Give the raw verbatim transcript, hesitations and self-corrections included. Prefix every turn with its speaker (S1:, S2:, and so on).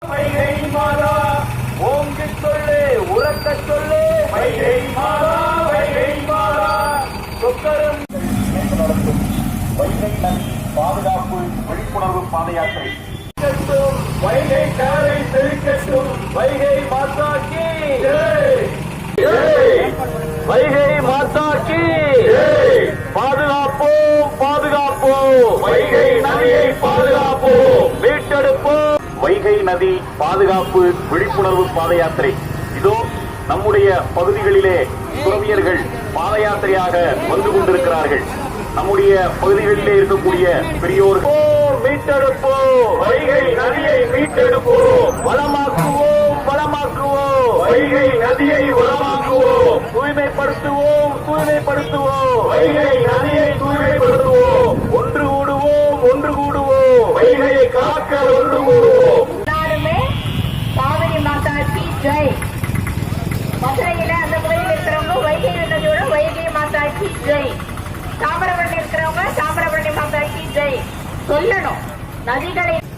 S1: வைகை மாதா ஓங்கி சொல்லு உறக்க சொல்லு வைகை மாதா வைகை மாதா சொக்கரும் நடத்தும் வைகை நதி பாதுகாப்பு விழிப்புணர்வு பாத யாத்திரை வைகை காரை செழிக்கட்டும் வைகை மாதா கி வைகை மாதா கி பாதுகாப்போம் பாதுகாப்போம் வைகை நதியை பாதுகாப்போம் மீட்டெடுப்போம். வைகை நதி பாதுகாப்பு விழிப்புணர்வு பாத யாத்திரை இதோ நம்முடைய பகுதிகளிலே துறவியர்கள் பாத யாத்திரையாக வந்து கொண்டிருக்கிறார்கள். நம்முடைய பகுதிகளிலே இருக்கக்கூடிய பெரியோர்கள் மீட்டெடுப்போம் வைகை நதியை மீட்டெடுப்போம் வளமாக்குவோம் வளமாக்குவோம் வைகை நதியை வளமாக்குவோம் தூய்மைப்படுத்துவோம் தூய்மைப்படுத்துவோம் வைகை நதியை தூய்மைப்படுத்துவோம் ஒன்று கூடுவோம் ஒன்று கூடுவோம் வைகையை காக்க ஒன்று கூடுவோம்.
S2: எல்லாருமே காவிரி மாதா கி ஜெய். மதுரையில அந்த கோயில் இருக்கிறவங்க வைகை நதியோட வைகை மாதா கி ஜெய். தாமிரபரணி இருக்கிறவங்க தாமிரபரணி மாதா கி ஜெய் சொல்லணும். நதிகளை